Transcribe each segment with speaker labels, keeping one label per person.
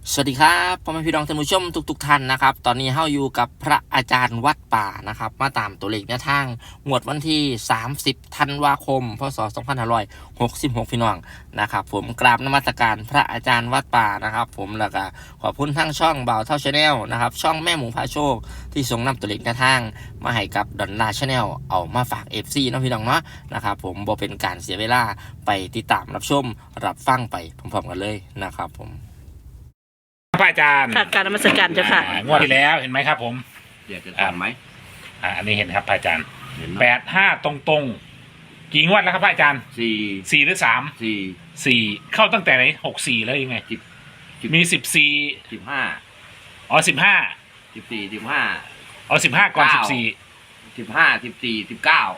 Speaker 1: สวัสดีครับพ่อแม่พี่น้องท่านผู้ชมทุกท่านนะครับตอนนี้เฮาอยู่กับพระอาจารย์วัดป่านะครับมาตามตัวเลขแนวทางงวดวันที่30ธันวาคมพศ2566พี่น้องนะครับผมกราบนมัสการพระอาจารย์วัดป่านะครับผมแล้วก็ขอบคุณทั้งช่องบ่าวเท่าชาแนลนะครับช่องแม่หมูพาโชคที่ส่งนำตัวเลขแนวทางมาให้กับดอนลาชาแนลเอามาฝาก FC น้องพี่น้องเนาะนะครับผมบ่เป็นการเสียเวลาไปติดตามรับชมรับฟังไปพร้อมๆกันเลยนะครับผม
Speaker 2: พระอาจารย์
Speaker 3: ค่ะการนมัสการเจ้าค่ะ
Speaker 2: งวดที่แล้วเห็นไหมครับผม
Speaker 4: อยากจะถามไหม
Speaker 2: อันนี้เห็นครับพระอาจารย์
Speaker 4: เห็น
Speaker 2: 85ตรงๆกี่งวดแล้วครับพระอาจารย์4หรือ3 4เข้าตั้งแต่ไหน64แล้วยังไงมี14
Speaker 4: 15
Speaker 2: อ๋อ15
Speaker 4: 14 15
Speaker 2: อ๋อ15ก่อน14
Speaker 4: 15 14 19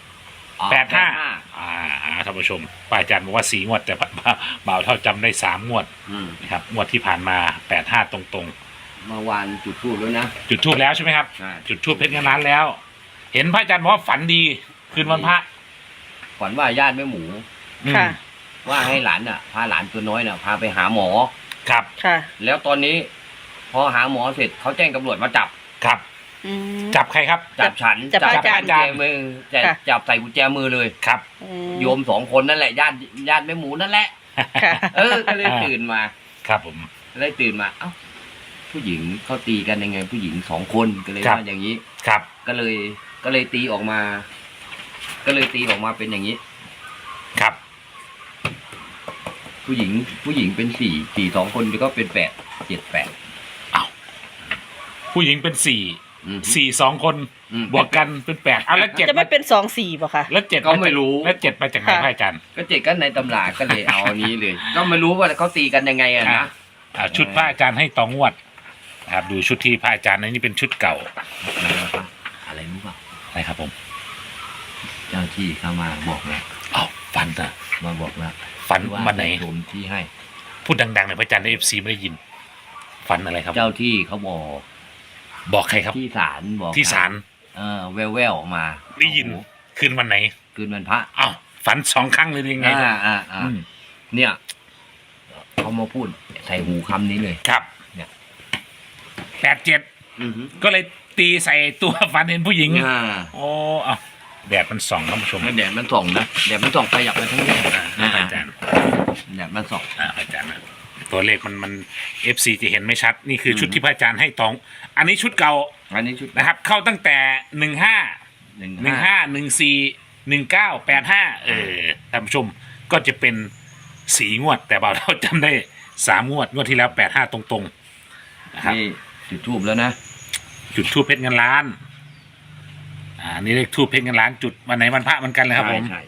Speaker 2: 85ท่านผู้ชมพระอาจารย์บอกว่า4งวดแต่บ่าวเท่าจำได้3งวดนะครับงวดที่ผ่านมา85ตรง
Speaker 4: ๆเมื่อวานจุดธูปแล้วนะ
Speaker 2: จุดธูปแล้วใช่ไหมครับจุดธูปเพชรเงินล้านแล้วเห็นพระอาจารย์บอกว่าฝันดีคืนวันพระ
Speaker 4: ฝันว่าญาติแม่หมู
Speaker 3: ค่ะ
Speaker 4: ว่าให้หลานพาหลานตัวน้อยพาไปหาหมอ
Speaker 2: ครับ
Speaker 3: ค่ะ
Speaker 4: แล้วตอนนี้พอหาหมอเสร็จเขาแจ้งตำรวจมาจับ
Speaker 2: ครับจับใครครับ
Speaker 4: จับฉัน
Speaker 3: จับ
Speaker 4: กุญแจมือจับใส่กุญแจมือเลย
Speaker 2: ครับ
Speaker 4: โยม2คนนั่นแหละญาติแม่หมูนั่นแหละก็เลยตื่นมา
Speaker 2: ครับผม
Speaker 4: เลยตื่นมาเอ้าผู้หญิงเขาตีกันยังไงผู้หญิง2คนก็เลยว่าอย่างนี้
Speaker 2: ครับ
Speaker 4: ก็เลยตีออกมาเป็นอย่างนี้
Speaker 2: ครับ
Speaker 4: ผู้หญิงเป็น4 2คนก็เป็น8 7 8
Speaker 2: อ้าวผู้หญิงเป็น4 2คนบวกกันเป็น8เอาแล้ว7
Speaker 3: จะไม่เป็น2 4ป่ะคะ
Speaker 2: แล้ว7
Speaker 4: ก็ไม่รู้
Speaker 2: แล้ว7มาจากไหนพระอาจารย์
Speaker 4: ก็7ก็ในตำราก็เลยเอาอันนี้เลยก็ไม่รู้ว่าเขาตีกันยังไงนะ
Speaker 2: ชุดพระอาจารย์ให้ต่องวดครับดูชุดที่พระอาจารย์นี่เป็นชุดเก่า
Speaker 4: อะไรรู้ป่ะ
Speaker 2: อะไรครับผม
Speaker 4: เจ้าที่เข้ามาบอกแล้ว
Speaker 2: อ้าวฝันอะ
Speaker 4: มาบอกแล้ว
Speaker 2: ฝันวันไหน
Speaker 4: ผมที่ให้
Speaker 2: พูดดังๆหน่อยพระอาจารย์ใน FC ไม่ได้ยินฝันอะไรครับ
Speaker 4: เจ้าที่เขา
Speaker 2: บอกใครครับ
Speaker 4: ที่ศาลบอก
Speaker 2: ที่ศาล
Speaker 4: แววออกมา
Speaker 2: ได้ยินคืนวันไหน
Speaker 4: คืนวันพระ
Speaker 2: อ้าวฝัน2ครั้งเลยยังไง
Speaker 4: เนี่ยเขามาพูดใส่หูคำนี้เลย
Speaker 2: ครับเนี่ย87ก็เลยตีใส่ตัวฝันเห็นผู้หญิงโอ้เอาแดดมันส่องท่านผู้ชม
Speaker 4: แดดมันส่องนะแดดมันส่องขยับไปทั้งนี้
Speaker 2: อาจารย์
Speaker 4: แดดมันส่อง
Speaker 2: อาจารย์ตัวเลขมัน FC จะเห็นไม่ชัดนี่คือชุดที่พระอาจารย์ให้ตองอันนี้ชุดเก่า
Speaker 4: อันนี้ชุด
Speaker 2: นะครับเข้าตั้งแต่15 14 19 85ท่านผู้ชมก็จะเป็น4งวดแต่บ่าวเราจำได้3งวดที่แล้ว85ตรงๆนะครับ
Speaker 4: นี่จุดธูปแล้วนะ
Speaker 2: จุดธูปเพชรเงินล้านนี่เลขธูปเพชรเงินล้านจุดวันไหนวันพระมันกันเลยครับผม
Speaker 4: ใช่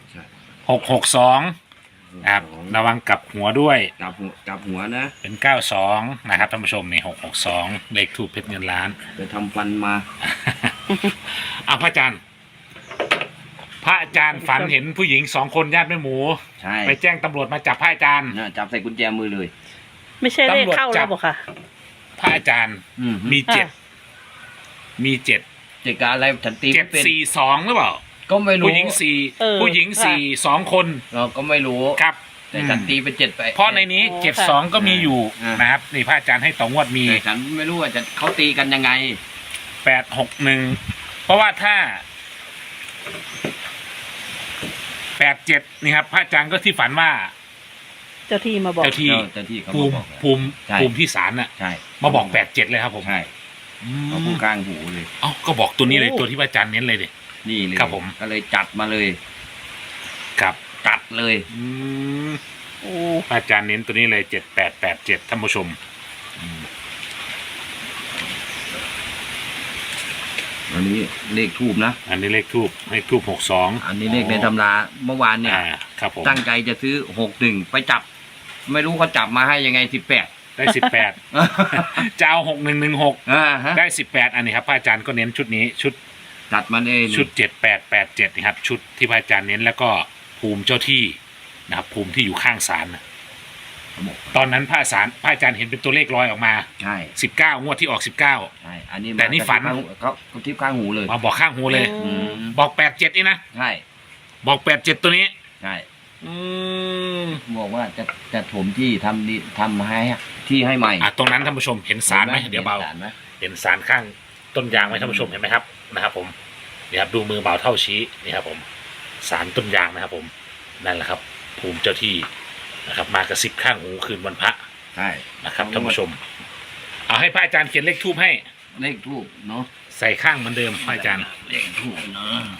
Speaker 2: 662ครับระวังกลับหัวด้วย
Speaker 4: กลับหัวนะ
Speaker 2: เป็น92นะครับท่านผู้ชมนี่662เลขธูปเพชรเงินล้าน
Speaker 4: ไปทำฟันมา
Speaker 2: พระอาจารย์ฝันเห็นผู้หญิง2คนญาติแม่หมูไปแจ้งตำรวจมาจับพระอาจารย์
Speaker 4: จับใส่กุญแจมือเลย
Speaker 3: ไม่ใช่เลขเข้าแล้วบอกค่ะ
Speaker 2: พระอาจารย์มี7
Speaker 4: กับอะไรฉันตี
Speaker 2: 742หรือเปล่า
Speaker 4: ก็ไม่รู้
Speaker 2: ผู้หญิง2คน
Speaker 4: เราก็ไม่รู้
Speaker 2: ครับ
Speaker 4: แต่ฉันตีเป็น7ไป
Speaker 2: เพราะในนี้72ก็มีอยู่นะครับนี่พระอาจารย์ให้ต่องวดมี
Speaker 4: แต่ฉันไม่รู้ว่าเขาตีกันยังไง
Speaker 2: 861เพราะว่าถ้า87นี่ครับพระอาจารย์ก็ที่ฝันว่า
Speaker 3: เจ้าที่มาบอก
Speaker 2: เจ้าที่ภูมิที่ศาลน่ะมาบอก87เลยครับผม
Speaker 4: ใช่เขาพูดกลางหูเลย
Speaker 2: ก็บอกตัวนี้เลยตัวที่พระอาจารย์เน้นเลยดิ
Speaker 4: นี่เลย
Speaker 2: ครับผม
Speaker 4: ก็เลยจัดมาเลย
Speaker 2: ครับ
Speaker 4: จัดเลย
Speaker 2: พระอาจารย์เน้นตัวนี้เลย7887ท่านผู้ชม
Speaker 4: อันนี้เลขทูบนะ
Speaker 2: อันนี้เลขทูบ62
Speaker 4: อันนี้เลขในตำราเมื่อวานเนี่ย
Speaker 2: ครับผม
Speaker 4: ตั้งใจจะซื้อ61ไปจับไม่รู้เขาจับมาให้ยังไง18
Speaker 2: ได้18จะเอา6116ได้18อันนี้ครับพระอาจารย์ก็เน้นชุดนี้ชุด
Speaker 4: จัดมาเลย
Speaker 2: ชุด7887นะครับชุดที่พระอาจารย์เน้นแล้วก็ภูมิเจ้าที่นะครับภูมิที่อยู่ข้างศาลตอนนั้นพระอาจารย์เห็นเป็นตัวเลขลอยออกมา
Speaker 4: ใช่
Speaker 2: 19งวดที่ออก19
Speaker 4: ใช่อันนี้
Speaker 2: แต่นี่ฝัน
Speaker 4: เขาทิพข้างหูเลย
Speaker 2: มาบอกข้างหูเลยบอก87นี่นะ
Speaker 4: ใช่
Speaker 2: บอก87ตัวนี้
Speaker 4: ใช่บอกว่าจะถมที่ทำให้ที่ให้ใหม่
Speaker 2: ตรงนั้นท่านผู้ชมเห็นสารไหมเดี๋ยวเบา
Speaker 4: ห็นศลไหม
Speaker 2: เห็นสารข้างต้นยางไหมท่านผู้ชมเห็นไหมครับนะครับผมนี่ครับดูมือเบาเท่าชี้นี่ครับผมสารต้นยางนะครับผมนั่นแหละครับ ภูมิเจ้าที่นะครับมากระซิบข้างหูคืนวันพระ
Speaker 4: ใช่
Speaker 2: นะครับท่านผู้ชมเอาให้พระอาจารย์เขียนเลขทูบให้
Speaker 4: เลขทูบเนาะ
Speaker 2: ใส่ข้างเหมือนเดิมพระอาจารย์
Speaker 4: เลขทูบเนาะ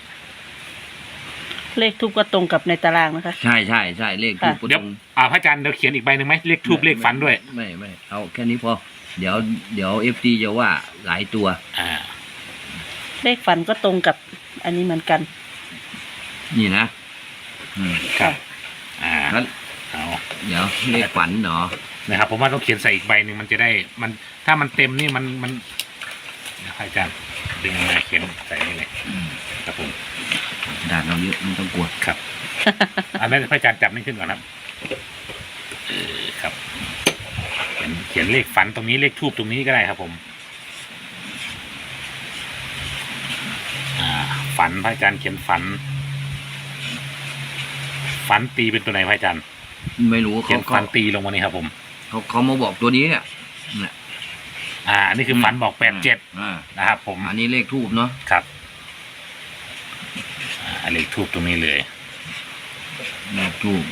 Speaker 3: เลขทูบก็ตรงกับในตารางนะคะ
Speaker 4: ใช่ใช่ใช่เลขทูบ
Speaker 2: เดี๋ยวพระอาจารย์เดี๋ยวเขียนอีกใบหนึ่งไหมเลขทูบเลขฝันด้วย
Speaker 4: ไม่เอาแค่นี้พอเดี๋ยวFTจะว่าหลายตัว
Speaker 3: เลขฝันก็ตรงกับอันนี้เหมือนกัน
Speaker 4: นี่นะ
Speaker 2: ครับ
Speaker 4: งั้น
Speaker 2: เอา
Speaker 4: เดี๋ยวเลขฝันเนาะ
Speaker 2: นะครับผมว่าต้องเขียนใส่อีกใบหนึ่งมันจะได้มันถ้ามันเต็มนี่มันเดี๋ยวพระอาจารย์ดึงมาเขียนใส่นี่เลยครับผม
Speaker 4: ด่านเราเยอะไม่ต้องกลัว
Speaker 2: ครับ อันนั้นพระอาจารย์จับนี่ขึ้นก่อนครับครับเขียนเลขฝันตรงนี้เลขทูบตรงนี้ก็ได้ครับผมฝันพระอาจารย์เขียนฝันตีเป็นตัวไหนพระอาจารย์
Speaker 4: ไม่รู้
Speaker 2: เขียนฝันตีลงมานี่ครับผม
Speaker 4: เขามาบอกตัวนี้เนี่ย
Speaker 2: อันนี้คือฝันบอก87นะครับผม
Speaker 4: อันนี้เลขทูบเนาะ
Speaker 2: ครับเลขทูบตรงนี้เลย
Speaker 4: เลขทูบ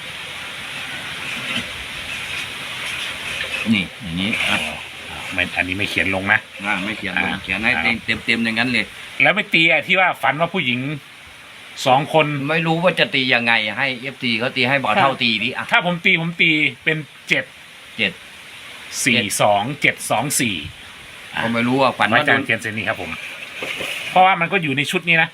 Speaker 4: นี่อย่างนี้
Speaker 2: ไม่อันนี้ไม่เขียนลงนะ
Speaker 4: ไม่เขียนลงเขียนให้เต็มอย่างนั้นเลย
Speaker 2: แล้วไม่ตีที่ว่าฝันว่าผู้หญิง2 คน
Speaker 4: ไม่รู้ว่าจะตียังไงให้FTเขาตีให้บ่าวเท่าตีดิอ่ะ
Speaker 2: ถ้าผมตีเป็น7-4-2-7-2-4
Speaker 4: ก็ไม่รู้ว่าฝัน
Speaker 2: อา
Speaker 4: ว่า
Speaker 2: จารย์เขียนเซนนี้ครับผม เพราะว่ามันก็อยู่ในชุดนี้นะ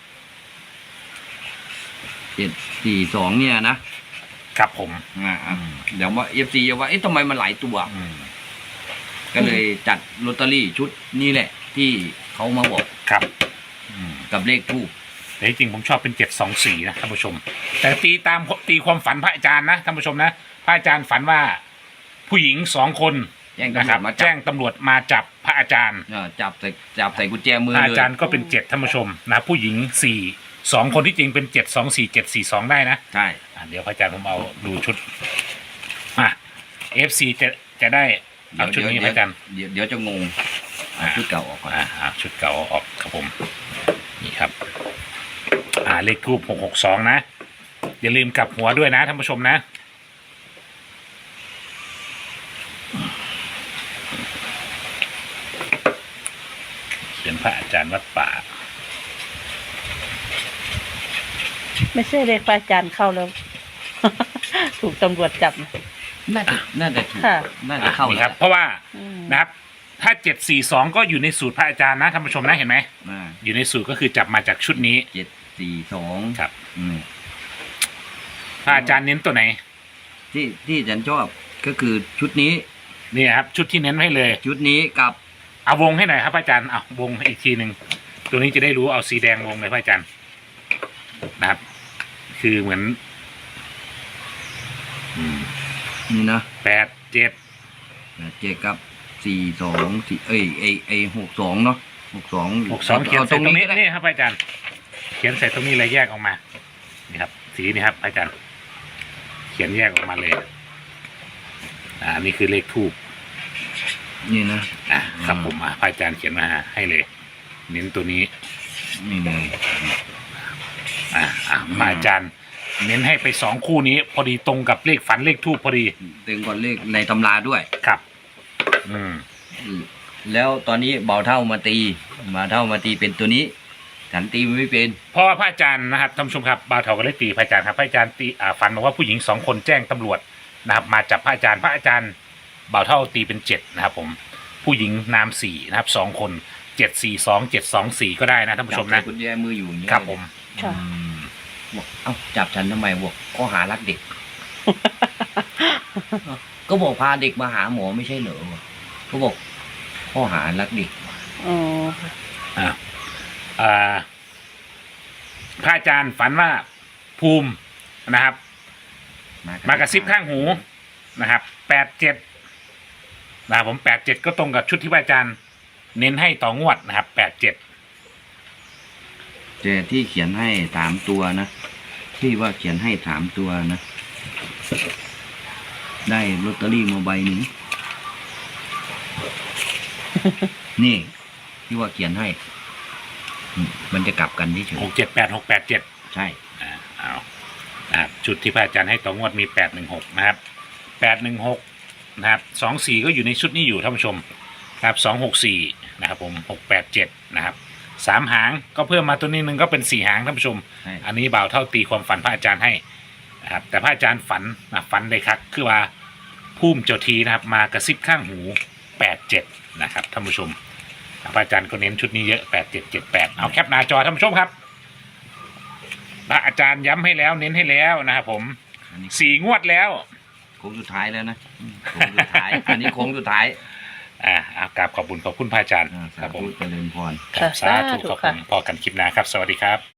Speaker 4: 7-4-2เนี่ยนะครับ
Speaker 2: ผม
Speaker 4: เดี๋ยวว่าFTจะว่าทำไมมันหลายตัวก็เลยจัดลอตเตอรี่ชุดนี้แหละ ที่เขามาบอก
Speaker 2: ครับ
Speaker 4: กับเลขทูบ
Speaker 2: แต่จริงๆผมชอบเป็น7-2-4นะท่านผู้ชม แต่ตีความฝันพระอาจารย์นะท่านผู้ชมนะพระอาจารย์ฝันว่าผู้หญิง2 คน
Speaker 4: แจ้ง
Speaker 2: นะ
Speaker 4: ตำร
Speaker 2: ครั
Speaker 4: ว
Speaker 2: บ
Speaker 4: จมา
Speaker 2: แจ้งตำรวจมาจับพระอาจารย์
Speaker 4: จับใส่กุญแจมือ
Speaker 2: พระ
Speaker 4: เล
Speaker 2: อาย จารย์ก็เป็น7ท่านผู้ชมนะผู้หญิง2 คนที่จริงเป็น7-2-4-7-4-2ได้นะ
Speaker 4: ใช่
Speaker 2: เดี๋ยวพระอาจารย์ผมเอาดูชุดFC จะได้เอาชุดนี้พระอาจารย์
Speaker 4: เดี๋ยวจะงงชุดเก่าออกก่อน
Speaker 2: ชุดเก่าเอาออกครับผมนี่ครับเลขทูบ662นะอย่าลืมกลับหัวด้วยนะท่านผู้ชมนะเขียนพระอาจารย์วัดป่า
Speaker 3: ไม่ใช่เลขพระอาจารย์เข้าแล้ว ถูกตำรวจจับนะ
Speaker 4: น่าจะถูก
Speaker 3: ค่ะ
Speaker 4: น่าจะเข้า
Speaker 2: นี่ครับ เพราะว่า
Speaker 3: อืม
Speaker 2: นะครับถ้า742ก็อยู่ในสูตรพระอาจารย์นะท่านผู้ชมนะเห็นไหมอยู่ในสูตรก็คือจับมาจากชุดนี้
Speaker 4: 7-4-2
Speaker 2: ครับพระอาจารย์เน้นตัวไหน
Speaker 4: ที่ฉันชอบก็คือชุดนี้
Speaker 2: นี่ครับชุดที่เน้นให้เลย
Speaker 4: ชุดนี้กับ
Speaker 2: เอาวงให้หน่อยครับพระอาจารย์เอาวงให้อีกทีหนึ่งตัวนี้จะได้รู้เอาสีแดงวงเลยพระอาจารย์นะครับ คือเหมือน
Speaker 4: นี่นะ
Speaker 2: 8-7
Speaker 4: กับ4-2-462เนาะ62
Speaker 2: เขียน
Speaker 4: ต
Speaker 2: ใส่
Speaker 4: รง
Speaker 2: ตรง
Speaker 4: นี้
Speaker 2: นี้นี่ครับพระอาจารย์เขียนใส่ตรงนี้เลยแยกออกมานี่ครับ สีนี่ครับพระอาจารย์ เขียนแยกออกมาเลยนี่คือเลขทูบ
Speaker 4: นี่นะครับ
Speaker 2: ผมพระอาจารย์เขียนมาให้เลย เน้นตัวนี้
Speaker 4: นี่เลย
Speaker 2: พระอาจารย์ เน้นให้ไป2 คู่นี้ พอดีตรงกับเลขฝันเลขทูบพอดี
Speaker 4: เต็งก่อนเลขในตำราด้วย
Speaker 2: ครับ
Speaker 4: แล้วตอนนี้เบาเท่ามาตีเป็นตัวนี้ฉันตีไม่เป็น
Speaker 2: เพราะว่าพระอาจารย์นะครับท่านผู้ชมครับบ่าวเถาก็ได้ตีพระอาจารย์ครับพระอาจารย์ตีฝันบอกว่าผู้หญิง2 คนแจ้งตำรวจนะครับมาจับพระอาจารย์บ่าวเท่าตีเป็น7นะครับผมผู้หญิงนาม4นะครับ2 คน7-4-2-7-2-4ก็ได้นะท่านผู้ชมนะ
Speaker 4: กุญแจมืออยู่อย่างนี้
Speaker 2: ครับผม
Speaker 3: ค่ะ
Speaker 4: บอกเอ้าจับฉันทำไมบอกข้อหารักเด็ก ก็บอกพาเด็กมาหาหมอไม่ใช่เหรอเขาบอกข้อหารักเด็ก
Speaker 3: อ๋อ
Speaker 2: พระอาจารย์ฝันว่าภูมินะครับ มากระซิบข้างหูนะครับ87นะครับผม87ก็ตรงกับชุดที่พระอาจารย์เน้นให้ต่องวดนะครับ87
Speaker 4: แต่ที่เขียนให้3 ตัวนะที่ว่าเขียนให้3 ตัวนะได้ลอตเตอรี่มาใบหนึ่งนี่ที่ว่าเขียนให้มันจะกลับกันที่เฉย
Speaker 2: 678 687
Speaker 4: ใช่
Speaker 2: เอานะครับจุดที่พระอาจารย์ให้ต่องวดมี816นะครับ816นะครับ24ก็อยู่ในชุดนี้อยู่ท่านผู้ชมครับ264นะครับผม687นะครับ3หางก็เพิ่มมาตัวนี้หนึ่งก็เป็น4หางท่านผู้ชม
Speaker 4: ใช่
Speaker 2: อันนี้บ่าวเท่าตีความฝันพระอาจารย์ให้นะครับแต่พระอาจารย์ฝันได้ครับคือว่าพุ่มเจ้าทีนะครับมากระซิบข้างหู87นะครับท่านผู้ชมพระอาจารย์ก็เน้นชุดนี้เยอะ8778เอาแคปหน้าจอท่านผู้ชมครับพระอาจารย์ย้ำให้แล้วเน้นให้แล้วนะครับผม
Speaker 4: อันนี้
Speaker 2: 4 งวดแล้ว
Speaker 4: โค้งสุดท้ายแล้วนะโค้งสุดท้าย อันนี้โค้งสุดท้าย
Speaker 2: เอากราบขอบคุณพระอาจารย์
Speaker 4: อ่า
Speaker 2: ครับ
Speaker 4: สา
Speaker 2: ผม
Speaker 4: ธุเจริญพร
Speaker 2: ครับสาธุ
Speaker 3: สาธุ
Speaker 2: ขอบ
Speaker 3: ค่ะ
Speaker 2: คุณพอกันคลิปหน้าครับ สวัสดีครับ